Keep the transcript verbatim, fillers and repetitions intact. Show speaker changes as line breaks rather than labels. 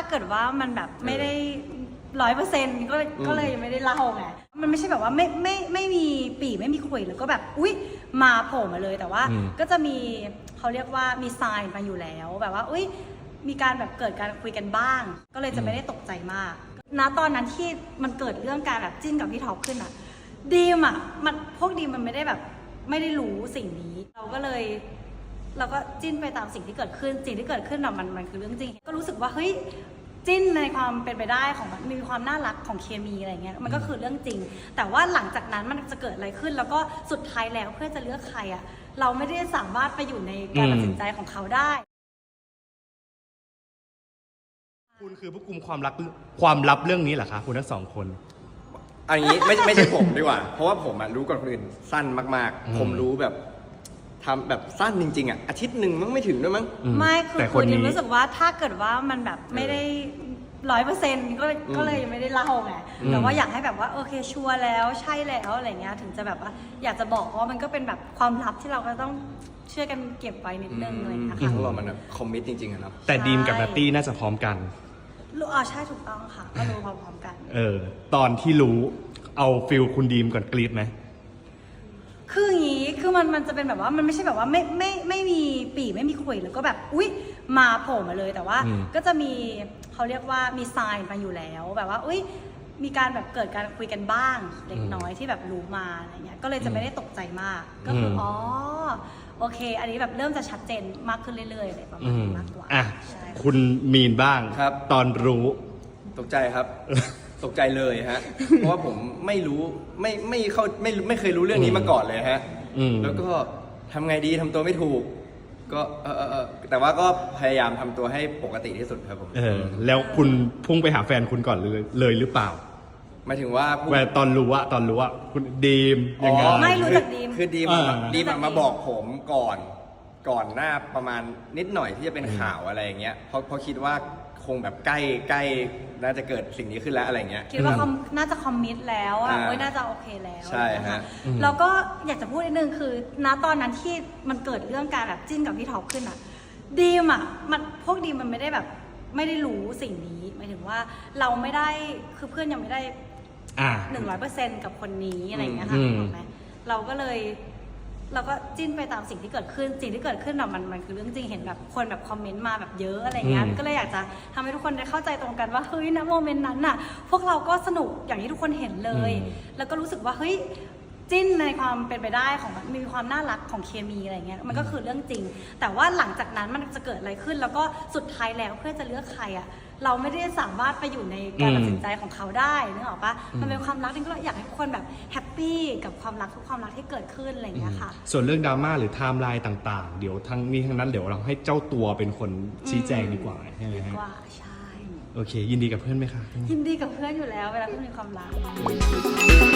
เกิดว่ามันแบบไม่ได้ร้อยเปอร์เซ็นต์ก็ก็เลยไม่ได้เล่าไงมันไม่ใช่แบบว่าไม่ไม่ไม่มีปีไม่มีขุยแล้วก็แบบอุ๊ยมาโผล่มาเลยแต่ว่าก็จะมีเขาเรียกว่ามีไซน์มาอยู่แล้วแบบว่าอุ๊ยมีการแบบเกิดการคุยกันบ้างก็เลยจะไม่ได้ตกใจมากณตอนนั้นที่มันเกิดเรื่องการแบบจิ้นกับพี่ท็อปขึ้นอะดีมอะมันพวกดีมมันไม่ได้แบบไม่ได้รู้สิ่งนี้เราก็เลยเราก็จิ้นไปตามสิ่งที่เกิดขึ้นสิ่งที่เกิดขึ้นอะมันมันคือเรื่องจริงก็รู้สึกว่าเฮ้ยจิ้นในความเป็นไปได้ของมันมีความน่ารักของเคมีอะไรเงี้ยมันก็คือเรื่องจริงแต่ว่าหลังจากนั้นมันจะเกิดอะไรขึ้นแล้วก็สุดท้ายแล้วเพื่อจะเลือกใครอะเราไม่ได้สามารถไปอยู่ในการตัดสินใจของเขาได้
คุณคือผู้กุมความลับความลับเรื่องนี้เหรอคะคุณทั้งสองคน
อันนี้ไม่ไม่ใช่ผมดีกว่าเพราะว่าผมอะรู้ก่อนคนอื่นสั้นมากๆผมรู้แบบทำแบบสั้นจริงๆอ่ะอาทิตย์หนึ่งมั้งไม่ถึงด้วยมั้ง
ไม่คือคือดิมรู้สึกว่าถ้าเกิดว่ามันแบบไม่ได้ร้อยเปอร์เซ็นต์ก็ก็เลยไม่ได้เล่าไงแต่ว่าอยากให้แบบว่าโอเคชัวร์แล้วใช่แล้วอะไรเงี้ยถึงจะแบบว่าอยากจะบอกเพราะมันก็เป็นแบบความลับที่เราก็ต้องช่วยกันเก็บไว้นิดนึงอะไรเงี้ยค่ะ
พวกเรามันแบบคอมมิตจริงๆอะเนาะ
แต่ดีมกับนัตตี้น่าจะพร้อมกัน
รู้อ๋อใช่ถูกต้องค่ะก็รู้พร้อมๆกัน
เออตอนที่รู้เอาฟิลคุณดีมก่อนกรี๊ดไหม
คืออย่างนี้คือมันมันจะเป็นแบบว่ามันไม่ใช่แบบว่าไม่ไม่ไม่มีปีไม่มีขุยแล้วก็แบบอุ๊ยมาโผล่มาเลยแต่ว่าก็จะมีเขาเรียกว่ามีไซน์มาอยู่แล้วแบบว่าอุ๊ยมีการแบบเกิดการคุยกันบ้างเล็กน้อยที่แบบรู้มาอะไรเงี้ยก็เลยจะไม่ได้ตกใจมากก็คืออ๋อโอเคอันนี้แบบเริ่มจะชัดเจนมากขึ้นเรื่อยๆเลยประมาณนี้มากกว่า
อ่ะคุณมีนบ้าง
ครับ
ตอนรู้
ตกใจครับตกใจเลยฮะเพราะว่าผมไม่รู้ไม่ไม่เข้าไม่ไม่เคยรู้เรื่องนี้มาก่อนเลยฮะแล้วก็ทำไงดีทำตัวไม่ถูกก็เออเออแต่ว่าก็พยายามทำตัวให้ปกติที่สุดครับผม
เออแล้วคุณพุ่งไปหาแฟนคุณก่อนเลยเลยหรือเปล่า
หมายถึงว่า
แฟนตอนรู้ว่าตอนรู้ว่าคุณดีมยังไง
ไม่รู้จักดีม
คือดีมดีมมาบอกผมก่อนก่อนหน้าประมาณนิดหน่อยที่จะเป็นข่าวอะไรอย่างเงี้ยเพราะเพราะคิดว่าคงแบบใกล้ใกล้น่าจะเกิดสิ่งนี้ขึ้นแล้วอะไรเงี้ย
คิดว่าน่าจะคอมมิตแล้วอ่ะโอ้ยน่าจะโอเคแล้ว
ใช่ฮะ
แล้วก็อยากจะพูดนิดนึงคือณตอนนั้นที่มันเกิดเรื่องการแบบจิ้นกับพี่ท็อปขึ้นอ่ะดีมอ่ะมันพวกดีมมันไม่ได้แบบไม่ได้รู้สิ่งนี้หมายถึงว่าเราไม่ได้คือเพื่อนยังไม่ได้หนึ่งร้อยเปอร์เซ็นต์กับคนนี้อะไรเงี้ยค่ะถูกไหมเราก็เลยเราก็จิ้นไปตามสิ่งที่เกิดขึ้นสิ่งที่เกิดขึ้นอะมันมันคือเรื่องจริงเห็นแบบคนแบบคอมเมนต์มาแบบเยอะอะไรเงี้ยก็เลยอยากจะทำให้ทุกคนได้เข้าใจตรงกันว่าเฮ้ยณโมเมนต์นั้นน่ะพวกเราก็สนุกอย่างที่ทุกคนเห็นเลยแล้วก็รู้สึกว่าเฮ้ยจิ้นในความเป็นไปได้ของมันมีความน่ารักของเคมีอะไรเงี้ยมันก็คือเรื่องจริงแต่ว่าหลังจากนั้นมันจะเกิดอะไรขึ้นแล้วก็สุดท้ายแล้วเพื่อจะเลือกใครอะเราไม่ได้สามารถไปอยู่ในการตัดสินใจของเขาได้นึกออกปะมันเป็นความรักที่ก็อยากให้ทุกคนแบบแฮปปี้กับความรักทุกความรักที่เกิดขึ้นอะไรอย่างเงี้ยค่ะ
ส่วนเรื่องดราม่าหรือไทม์ไลน์ต่างๆเดี๋ยวทั้งนี้ทั้งนั้นเดี๋ยวเราให้เจ้าตัวเป็นคนชี้แจงดีกว่าใช่ไหมฮะ
ดีกว่าใช่
โอเคยินดีกับเพื่อนไหมคะ
ยินดีกับเพื่อนอยู่แล้วเวลาเพื่อนมีความรัก